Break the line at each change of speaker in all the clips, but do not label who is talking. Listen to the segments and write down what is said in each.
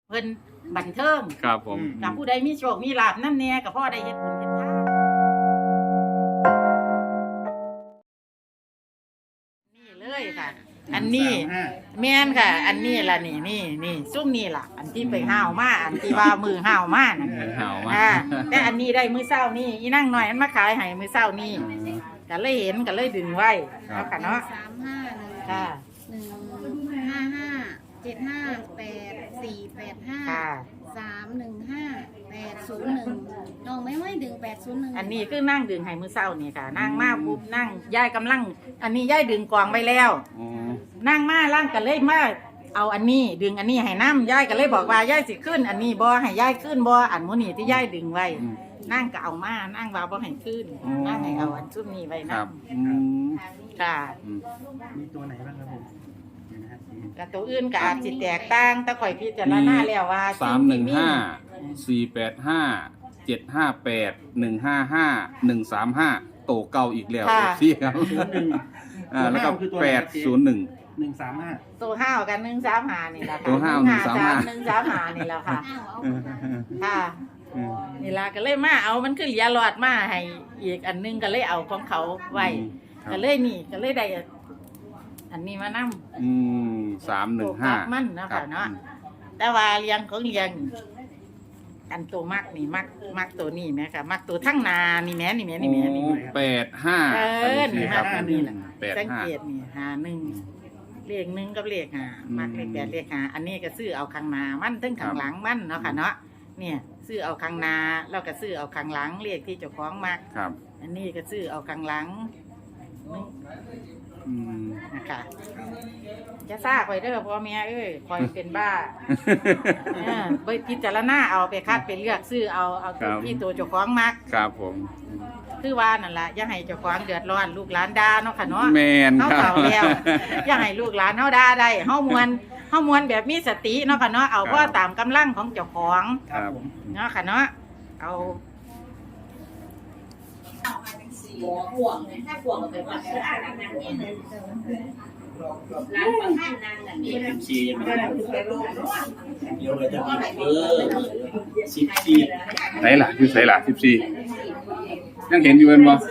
เพิ่นบันเทิง
ครับผม
กับผู้ใดมีโชคมีลาภนั่นแน่กับพ่อได้เฮ็ดบุญเฮ็ดทานนี่เลยค่ะ อันนี้แม่นค่ะ อันนี้ล่ะนี่ซุ่มนี่ล่ะ อันที่ไปห้าวมาอันที่ว่ามือห้าวมาน่ะ
ห่าวมาก
แต่อันนี้ได้มื้อเช้านี่อีนั่งหน่อยมันมาขายให้มื้อเช้านี่ก็เลยเห็นก็เลยดึงไว้เอาค่ะเนาะ
35
ค่ะ
155 758 485
ค่ะ
315 801น้องไม่ดึง801
อันนี้คือนั่งดึงให้มื้อเช้านี่ค่ะ นั่งมาปุ๊บนั่งย่ายกำลัง อันนี้ย่ายดึงกวางไว้แล้ว
อ๋อ
นั่งมาล่างก็เลยมาเอาอันนี้ดึงอันนี้ให้น้ำย่ายก็เลยบอกว่าย่ายสิขึ้น อันนี้บ่ให้ย่ายขึ้นบ่อันมื้อนี้ที่ย่ายดึงไว้ นั่งก็เอามานั่งว่าบ่ให้ขึ้นนั่งให้เอาอันซุ่มนี้ไว้
ค
นะ
รับ
ค่ะ
มีตัวไหนบ้างครับผมเดี๋ยวนะฮะ
กับตัวอื่นก็อาจสิแตกต่างแต่ข่อยพิจารณาแล้วว่า
315 485 758 155 135โตเก่าอีกแล้วพี่ครับแล้วก็801
135
ตัวห้าวกัน135นี่แหละค่ะ
ตัวห้าว135
135นี่แหละค่ะ ค่ะนี่ล่ะก็เลยมาเอามันคือเหลียหลอดมาให้อีกอันนึงก็เลยเอาของเขาไว้ก็เลยนี่ก็เลยได้อันนี้มานำ
315
มันเนาะค่ะเนาะแต่ว่าเลี้ยงของเลี้ยงอันตัวมักนี่มักตัวนี้แม่ค่ะมักตัวทั้งนานี่แม่นี่
85
นี่มักอันนี้แหละสังเกต
85
นี่51เลข1กับเลข5มักเลข8เลข5อันนี้ก็ซื้อเอาข้างหน้ามันถึงข้างหลังมันเนาะค่ะเนาะเนี่ยซื้อเอาข้างหน้าแล้วก็ซื้อเอาข้างหลังเลขที่เจ้าของมัก
ครับ
อันนี้ก็ซื้อเอาข้างหลังนะคะจะซ่าคอยเด้อพ่อแม่เอ้ยคอยเป็นบ้าไปพิจารณาเอาไปคัดไปเลือกซื้อเอาตัวที่ตัวเจ้าของมัก
ครับผม
คือว่านั่นล่ะอย่าให้เจ้าของเดือดร้อนลูกหลานด่าเนาะค่ะเนาะ
แม่น
เฮา
ครับ
เฒ่าแล้วอย่าให้ลูกหลานเฮาด่าได้เฮามวนแบบมีสติเนาะค่ะเนาะเอาพ่อตามกำลังของเจ้าของ
ครับ
เนาะค่ะเนาะเอา
ห่วงเลยถ้าห่วงก็ไปวัดก็อ่านนั่งนี่ร้านประทานนั่งนั่นนี่ชียังไม่ได้เดี๋ยวเราจะ14
ไหนล่ะอยู่ไหนล่ะ14ยังเห็นอยู่เป็นบ่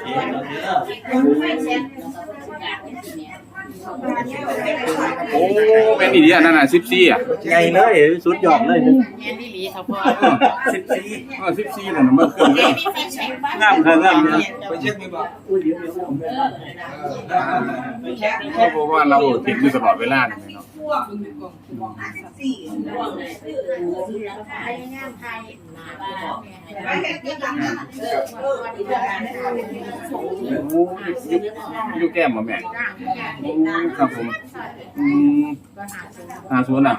โอ้แม่นอีดีอันนั้นน่ะ14อ่ะ
ใหญ่เลยสุดยอดเลย
แม่นอีหลีเขาพ่อ
14นั่นน่ะมันขึ้นแล้ว
งามครับงาม
ไปเช็คไหมบ่
เพราะว่าเราติดอยู่ตลอดเวลาเนี่ยเนาะ
ห่วงเลยพยายามไทย
อยู่แก้มบ่แม่ครับผม50อ่ะ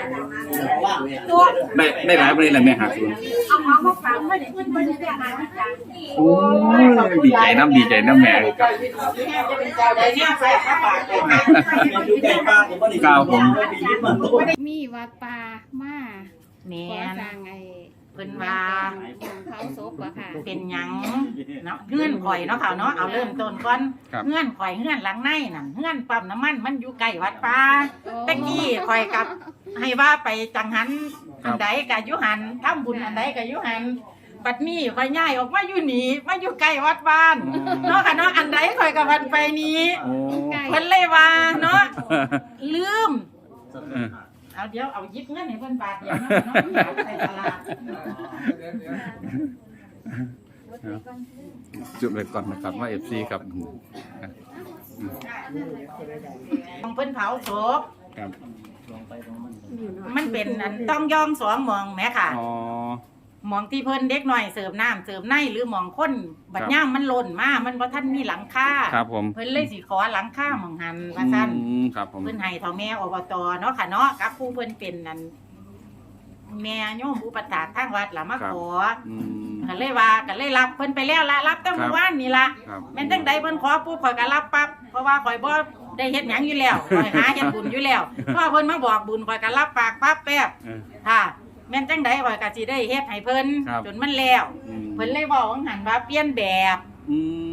ได้หลายประเด็นแล้วแม่50โอ้ดีใจน้ำแม่ครับ
อยู่ใกล้ป้าผมก็ได้
ก้าวผม
มีวัดป่ามา
แม่
ขอน สร้างไอ้
เพิ่นว่า
เผาศพอะค่ะ
เป็นหยังเนาะเงื่อนข่อยเนาะค่ะเนาะเอาเริ่มต้นก่อนเงื่อนข่อยเงื่อนหลังในนั่นเงื่อนปั๊มน้ำมันมันอยู่ใกล้วัดป่าตะกี้ข่อยกับให้ว่าไปจังหันอันใดก็อยู่หันทำบุญอันใดก็อยู่หันบัดนี้ข่อยย้ายออกมาอยู่นี่มาอยู่ใกล้วัดบ้านเนาะค่ะเนาะอันใดข่อยก็วันไปนี้
โอ้
เพิ่นเลยว่าเนาะลืมเอาเดี๋ยวเอายิบเงินให้เพิ่นบาทเดียวเนาะเนาะไปตลาด
จุดเลยก่อนนะครับว่า FC ครับ
ของเพิ่นเผาศพ
ครับ
มันเป็นอันต้องย่องสองหมองแหม่ค่ะ
อ๋อ
หมองที่เพิ่นเด็กน้อยเสิร์ฟน้ำเสิร์ฟในหรือหมองคนบัดย่ามมันหล่นมามันบ่ทันมีหลังคา
ครับผม
เพิ่นเลยสิขอหลังคาหม่องหันว่าซั่น
ครับผม
เพิ่นให้เฒ่าแม่อบตเนาะค่ะเนาะกับผู้เพิ่นเป็นนั่นแม่โยมอุปถากทางวัดล่ะมาขอก็เลยว่าก็เลยรับเพิ่นไปแล้วละรับตั้งเมื่อวานนี่ล่ะ
ครับ
แม่นจังใดเพิ่นขอปุ๊บข่อยก็รับปั๊บเพราะว่าข่อยบ่ได้เฮ็ดหยังอยู่แล้วข่อยหาเฮ็ดบุญอยู่แล้วพอเพิ่นมาบอกบุญข่อยก็รับปากปั๊บแป๊บค่ะแม่นจังใดข่อยก็สิได้เฮ็ดให้เพิ่นจนมันแล้วเพิ่นเลยบอกว่าหันว่าเปลี่ยนแบบอัน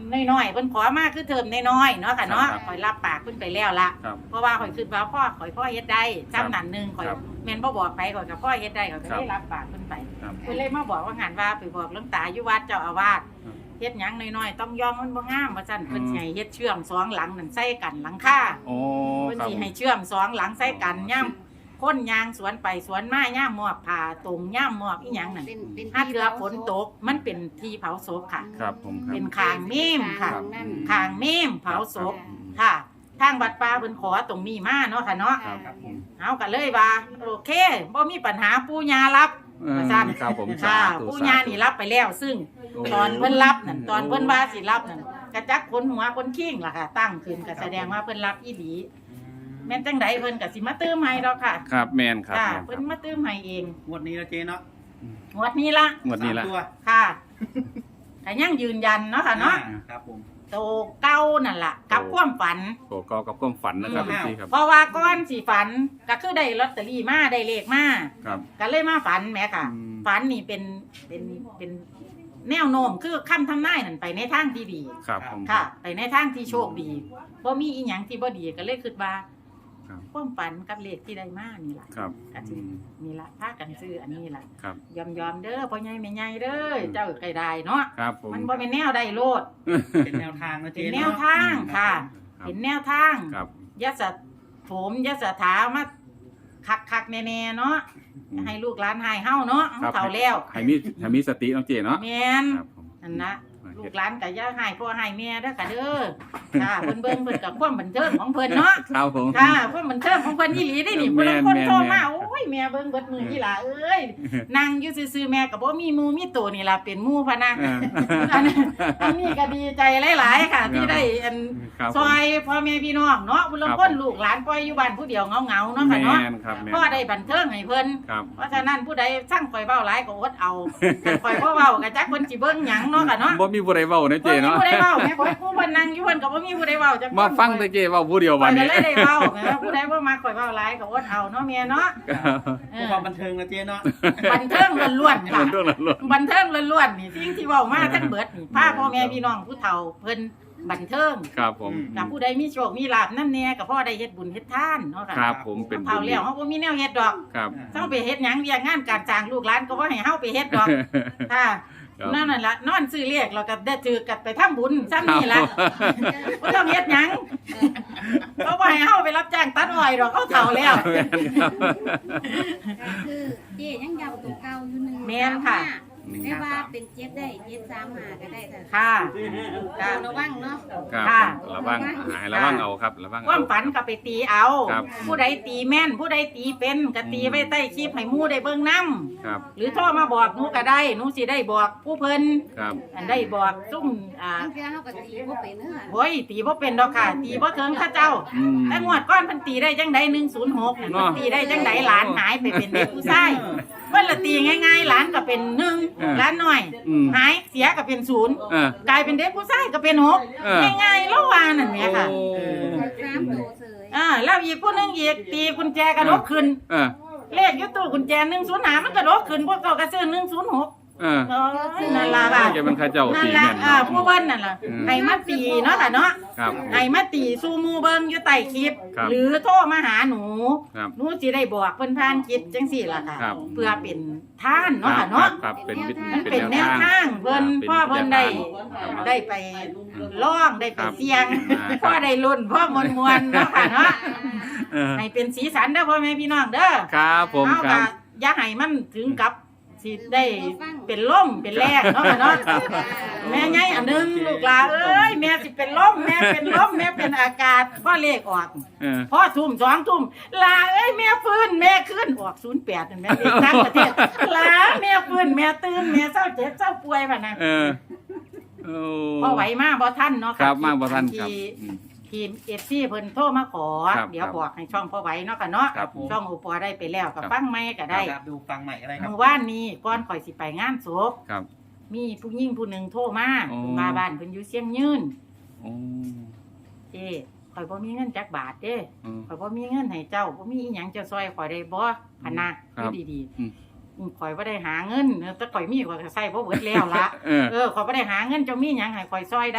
น้อยๆเพิ่นขอมาคือเทอมน้อยๆเนาะค่ะเนาะ
ครับ
ข่อยรับปากเพิ่นไปแล้วละ
ครับ
เพราะว่าข่อยคิดว่าพ่อเฮ็ดได้จำนั้นหนึงข่อย
ครับ
แม่นบ่บอกไปข่อยกับพ่อเฮ็ดได้ข่อยก็ได้รับปากเพิ่นไป
ครับ
เพิ่นเลยมาบอกว่างานว่าไปบอกหลวงตาอยู่วัดเจ้าอาวาส
ครับ
เฮ็ดหยังน้อยๆต้องยอมมันบ่งามว่าซั่นเพิ่นสิให้เฮ็ดเชื่อมสองหลังนั่นใส่กันหลังคา
โอ้
เพิ่น
ครับ
สิให้เชื่อมสองหลังใส่กันย่ำคนยางสวนไปสวนมาย่ามมอบผ้าตรงย่ามมอบอีหยังนั่น
เป็น
ถ้าเกือฝนตกมันเป็นที่เผาศพค่ะ
ครับผมครับ
เป็นคางเมมค่ะ
ทางนั่น
คางเมมเผาศพค่ะ ทางวัดป่าเพิ่นขอตรงนี้มาเนาะค่ะเนาะ
ค่ะ
ครับผม
เอากันเลยว่าโอเคบ่มีปัญหาปู่ย่ารับ ว่าซั่น
ครับผม
ค่ะ
สาธุ
ปู่ย่านี่รับไปแล้ว ซึ่ง
โอ้
ตอนเพิ่นรับนั่นตอนเพิ่นว่าสิรับนั่นกระจักคนหัวคนขิ้งล่ะค่ะ ตั้งขึ้นก็แสดงว่าเพิ่นรับอีหลีแม่นจังไดเพิ่นก็สิมาเติมให้ดอกค่ะ
ครับแมนครับ
ค่ะ
แม่นค
เพิ่
รับ
นมาเติมให้เอง
งวดนี้นะเจ๊เนาะ
งวดนี้ละ
งวดนี้ละ
3ตัว
ค่ะก็ยังยืนยันเนาะค่ะเนาะ
ครับผม
โตเก้านั่นล่ะกับความฝัน
โอ้ก็กับความฝันนะครับ
อืม
พี่ครับ
เพราะว่าก้อนสีฝันก็คือได้ลอตเตอรี่มาได้เลขมา
ครับ
ก็เลยมาฝันแหม่ค่ะ
อืม
ฝันนี่เป็นแนวโน้มคือคำทำนายนั่นไปในทางที่ดี
ครับผม
ค่ะ ไปในทางที่โชคดีบ่มีอีหยังที่บ่ดีก็เลยคิดว่า
ครับ
ความฝันกับเลขที่ได้มานี่ล่ะ
ครับ
ก็สินี่ล่ะพากันซื้ออันนี้ล่ะ
ครับ
ยอมๆเด้อพ่อใหญ่แม่ใหญ่เด้อเจ้าไก่ได้เนาะ
ครับผม
มันบ่เป็นแนวได้โลด
เป็นแนวทางนะ
เป็
เจ๊
น
เนาะ
แนวทางค่ะ
ครับ
เป็นแนวทาง
ครับ
ยะสะโถมยะสะถามาคักๆแน่ๆเนาะให้ลูกหลานหายเฮาเนาะ
ครับ
เฒ่าแล้ว
ให้มีสติน้องเจเนาะ
แม่น
ครับผม
นั่นนะลูกหลานก็อย่าหายพ่อหายแม่เด้อค่ะเด้อค่ะเพิ่นเบิ่งเพิ่นก็ความบันเทิงของเพิ่นเนาะ
ครับผม
ค่ะความบันเทิงของเพิ่นอีหลีได้นี่
แม่
เพิ่น
น
คนโทร
แม่
มาน โอ้ยแม่เบิ่งเบิดมืออีหล่าเอ้ยนั่งอยู่ซื่อๆแม่ก็บ่มีหมู่มีตัวนี่ล่ะเป็นหมู่พะนะ
เออ
อันนี้ก็ดีใจหลายๆค่ะ ที่ได้อัน
ครับผม
ซอยพ่อแม่พี่น้องเนาะบุญ
ครับ
คนลูกหลานปล่อยอยู่บ้านผู้เดียวเหงาๆเนาะค่ะเนาะ
แม่นครับแม่น
พ่อได้บันเทิงให้เพิ่น
ครับ
เพราะฉะนั้นผู้ใดสร้างข่อยเว้าหลายก็อดเอาคันข่อยบ่เว้าก็จักเพิ่นสิเบิ่งหยังเนาะค่ะเนาะ
บ่มีผู้ใดเว้านะเจ
บ่มี
เนาะ
ผู้ใดเว้าแม่ข่อยผู้เพิ่นนั่งอยู่เพิ่นก็บ่มีผู้ใดเว้าจักคน
มาฟังแต่เจเว้าผู้เดียว
ข่
วั
อน ยก็
นี้
เลยได้เว้าแม่ผู้ใดบ่มาข่อยเว้าหลายก็อดเอาเนาะแม่เนาะ
ครับ
เอ
เพื่อ
อ
ความบันเทิงนะเจ๊เนาะ
บันเทิงล้วนๆค่ะ
มันต้องหล่น
บันเทิงล้วนๆนี่สิ่งที่เว้ามาทั้งเบิดนี่พาพ่อแม่พี่น้องผู้เฒ่าเพิ่นบันเทิง
ครับผม
กับผู้ใดมีโชคมีลาภนั่นแน่ก็พ่อได้เฮ็ดบุญเฮ็ดทานเนาะค่ะ
ครับผมเป็น
เฒ่าแล้วเฮาบ่มีแนวเฮ็ดดอก
ครับ
เฮาไปเฮ็ดหยังเวียกงานการจ้างลูกหลานก็บ่ให้เฮาไปเฮ็ดดอกค่ะ
ครับ
นั่นล่ะนอนซื้อเลขแล้วก็ได้ถือกันไปทำบุญซ้ำนี่ล่ะบ่ต้องเฮ็ดหยังเขาบ่ให้เฮาไปรับจ้างตัดอ้อยดอกเขาเฒ่าแล้ว
แม่นครับ
ก็คือเจ๊ยังย้ำตัวเก่าอยู่หนึ่ง
แม่นค่ะ
ได้ว่าเป็นเจ็ดได้เจ็ดสามหาก็ได้แต่
ค่ะ
เราระวังเนาะ
ครับ
ค่ะ
ระวังหายระวังเอาครับระวัง
ค
เอา
วามฝันก็ไปตีเอา
ครับ
ผู้ใดตีแม่น ผู้ใดตีเป็นก็ตีไว้ใต้คลิปให้หมู่ได้เบิ่งนำ
ครับ
หรือโทรมาบอกหนูก็ได้หนูสิได้บอกผู้เพิ่น
ครับ
อันได้บอกซุ่ม
บางเทื่อเฮาก็ตีบ่เป็นเด้อ
โอ้ยตีบ่เป็นดอกค่ะ ตีบ่ถึงข้าเจ้า
อืม
แต่งวดก้อนเพิ่นตีได้จังได106นั่น
เนาะ
เพิ่นตีได้จังไดหลานหายไปเป็นเด็กผู้ชายเพิ่นละตีง่ายๆหลานก็เป็น1หลานน้อย
อืม
หายเสียก็เป็น0
เออก
ลายเป็นเด็กผู้ชายก็เป็น
เออ
6ง่ายๆแล้วว่านั่นแหมค่ะ
โอ้
สามตัวเสย
แล้วอีกผู้หนึงอีกตีกุญแจกระดกขึ้น
เออ
เลขอยู่ตู้กุญแจ105มันกระดกขึ้นพวกเขาก็ซื้อ106
เออ
เออนั่นล่ะค่ะ
แกเป็นข้าเจ้า
นั่
ตี
นล่ะ
แม่นเนาะ
ผู้เบิ้นนั่นล่ะ
อืม
ให้มาตีเนาะค่ะเนาะ
ครับ
ให้มาตีสู่หมู่เบิ่งอยู่ใต้คลิป
ครับ
หรือโทรมาหาหนู
ครับ
หนูสิได้บอกเพิ่นผ่านคลิปจังซี่ล่ะค่ะ
ครับ
เพื่อเป็นท่านเนาะค่ะ
ครั
เนาะ
บครับเป็นวิธี
มันเป็นแนวทางเพิ่น
ป็
พ่อเพิ่นได้
ครับ
ได้ไปร้องได้ไป
ครับ
เสี่ยง
ครับ
พ่อได้ลุ้นพ่อมวนๆเนาะค่ะเนาะ
เออ
ให้เป็นสีสันเด้อพ่อแม่พี่น้องเด้อ
ครับผม
เอา
ครั
ก็
บ
อย่าให้มันถึงกับสิได้เป็นล่มเป็นแรงเนาะค่ะเนาะ แม่ไงอันหนึงลูกหลานเอ้ยแม่สิเป็นลมแม่เป็นลมแม่เป็นอากาศพ่อเลขออก
เออ
พ่อทุ่ม2 ทุ่มลาเอ้ยแม่ฟื้นแม่ขึ้นออก08นั่นแม่เลขทั้งประเทศลาแม่ฟื้นแม่ตื่นแม่เศร้าเจ็บเศร้าป่วยบัดนั้น
เออโอ้
พอไหวมาบ่ทันเนาะ
ครับมาบ่ทันครับ
ที่
อืม
ทีม FC เพิ่นโทรมาขอ
ครับ
เดี๋ยวบอกให้ช่องพ่อไหวเนาะค่ะเนาะ
ครับผม
ช่องโอปอได้ไปแล้วก็
ครับ
ฟังใหม่ก็ได้
ครับดูฟังใหม่อะไรครับ
เมื่อวานนี้ก่อนข่อยสิไปงานศพ
ครับ
มีผู้หญิงผู้หนึ่งโทรมา
อ๋อ
มาบ้านเพิ่นอยู่เชียงยืน
โอ้
เจ้ข่อยบ่มีเงินจักบาทเด้
เออ
ข่อยบ่มีเงินให้เจ้าบ่มีอีหยังจะซอยข่อยได้บ่พะนะครับ อยู่ดี
อืม
ข่อยบ่ได้หาเงินแต่ข่อยมีข่อยก็ใช้บ่เบิดแล้วล่ะ
เออ
ข่อยบ่ได้หาเงินเจ้ามีหยังให้ข่อยซอยได้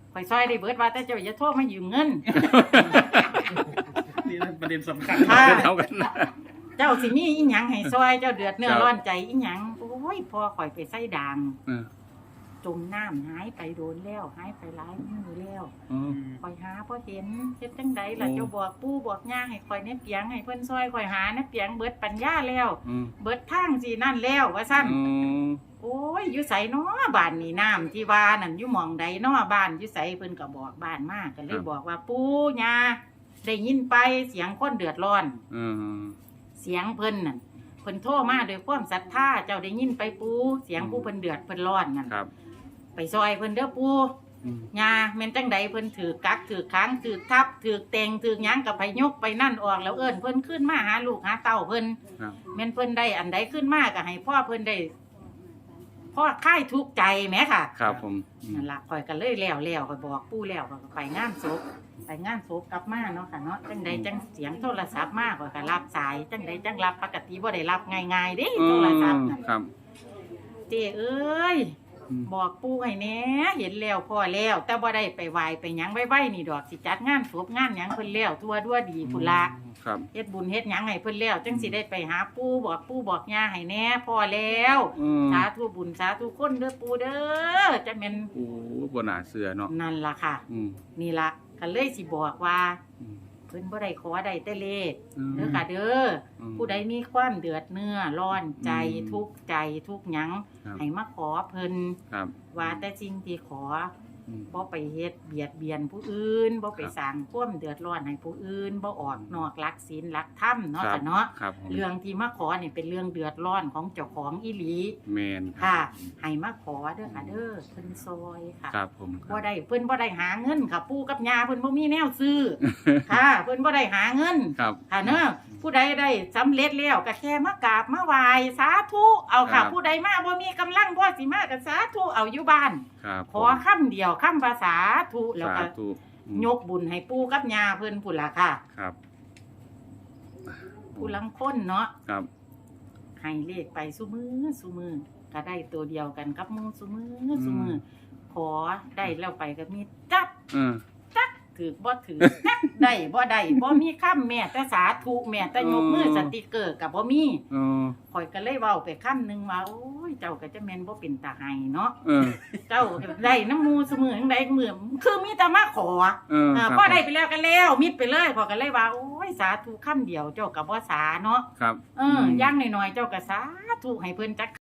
ข่อยซอยได้เบิดว่าแต่เจ้าอย่าโทรมายืมเงิน
นี่นะประเด็นสำคัญ
ค่ะ
เท่ากันนะ
เจ้าสิมีอีหยังให้ซอยเจ้าเดือดเนื้อร้อนใจอีหยังโอ้ยพอข่อยไปใส่ด่าง
เออ
จมน้ำหายไปโดนแล้วหายไปหลายมื้อแล้ว
อืม
ข่อยหาบ่เห็นเฮ็ดจังใดล่ะ
โอ้
เจ้าบอกปู่บอกย่าให้ข่อยในเปียงให้เพิ่นซอยข่อยหาในเปียงเบิดปัญญาแล้ว
อืม
เบิดทางสินั่นแล้วว่าซั่น
อืม
โอ้ยอยู่ไสน้อบ้านนี่น้ำที่ว่านั่นอยู่หม่องใดน้อบ้านอยู่ไสเพิ่นก็บอกบ้านมาก็เลยบอกว่าปู่ย่าได้ยินไปเสียงคนเดือดร้อน
อืม
เสียงเพิ่นนั่นเพิ่นโทรมาด้วยความศรัทธาเจ้าได้ยินไปปู่เสียงปู่เพิ่นเดือดเพิ่นร้อนนั่น
ครับ
ไปซอยเพิ่นเด้อปู่
อืม
ยาแม่นจังใดเพิ่นถือกักถือค้างถือทับถือเต็งถือหยังกับไปยกไปนั่นออกแล้วเอิ้นเพิ่นขึ้นมาหาลูกหาเต้าเพิ่น
ครับ
แม่นเพิ่นได้อันใดขึ้นมาก็ให้พ่อเพิ่นได้พ่อคลายทุกข์ใจแหมค่ะ
ครับผมอืม
นั่นล่ะข่อยก็เลยแล้วข่อยบอกปู่แล้วข่อยก็ไปงานศพกลับมาเนาะค่ะเนาะจังใดจังเสียงโทรศัพท์มาข่อยก็รับสายจังใดจังรับปกติบ่ได้รับง่ายๆเด้โทรศัพท์น่ะ
ครับ
เจ้เอ้ย
อืม
บอกปู่ให้แหน่เห็นแล้วพ่อแล้ว แต่บ่ได้ไปไหว้ไปหยังไว้ๆนี่ดอกสิจัดงานศพงานหยังเพิ่นแล้วทั่วดัวดีพุ่นละ
ครับ
เฮ็ดบุญเฮ็ดหยังให้เพิ่นแล้วจังสิได้ไปหาปู่บอกย่าให้แหน่พ่อแล้ว
อืม
สาธุบุญสาธุคนเด้อปู่เด้อจังแม่น
โอ้บ่น่าเชื่อเนาะ
นั่นล่ะค่ะ
อืม
นี่ล่ะก็เลยสิบอกว่า
อืม
เพิ่นบ่ได้ขอได้แต่เลข
อืม
เด้อค่ะเด้ออ
ม
ผู้ใดมีความเดือดเนื้อร้อนใจ
อืม
ทุกข์ใจทุกหยัง
ครับ
ให้มาขอเพิ่น
ครับ
ว่าแต่สิ่งที่ขอ
อืม
บ่ไปเฮ็ดเบียดเบียนผู้อื่นบ่ไปสร้างความเดือดร้อนให้ผู้อื่นบ่ออกนอกหลักศีลหลักธรรมเนาะ
ครับ
ค่ะเนาะ
ครับผม
เรื่องที่มาขอนี่เป็นเรื่องเดือดร้อนของเจ้าของอีหลี
แมน
ค่ะให้มาขอเด้อค่ะเด้อเพิ่นซอยค่ะ
ครับผม
บ่ได้เพิ่นบ่ได้หาเงินค่ะปู่กับย่าเพิ่นบ่มีแนวซื้อ ค่ะเพิ่นบ่ได้หาเงิน
ครับ
ค่ะเนอะผู้ใดได้สำเร็จแล้วก็แค่มากราบมาไหว้สาธุเอาค่ะ ผู้ใดมาบ่มีกำลังบ่สิมาก็สาธุเอาอยู่บ้าน
ครับ
ขอคำเดียวคำภาษาธุแล้ว
สา
ก็
ธุอืม
ยกบุญให้ปู่กับย่าเพิ่นพุ่นล่ะค่ะ
ครับ
ผู้ลังคนเนาะ
ครับ
ให้เลขไปซุมือก็ได้ตัวเดียวกันกับหมู่ซุมือขอได้แล้วไปก็มีจับ
เออ
ถือบ่ถือ จักได้บ่ได้บ่มีคำแม่แต่สาธุแม่แต่ยกมือสติกเกอร์ก็บ่มี
เออ
ข่อยก็เลยเว้าไปคำหนึงว่าโอ้ยเจ้าก็จะแม่นบ่เป็นตาไห้เนาะ
เออ
เจ้าได้น้ำมูซุมือจังไดมื้อคือมีแต่มาขอ
เออครับ
พอได้ไปแล้วก็แล้วมิดไปเลยข่อยก็เลยว่าโอ้ยสาธุคำเดียวเจ้าก็บ่สาเนาะ
ครับ
อย่างน้อยๆเจ้าก็สาธุให้เพิ่นจัก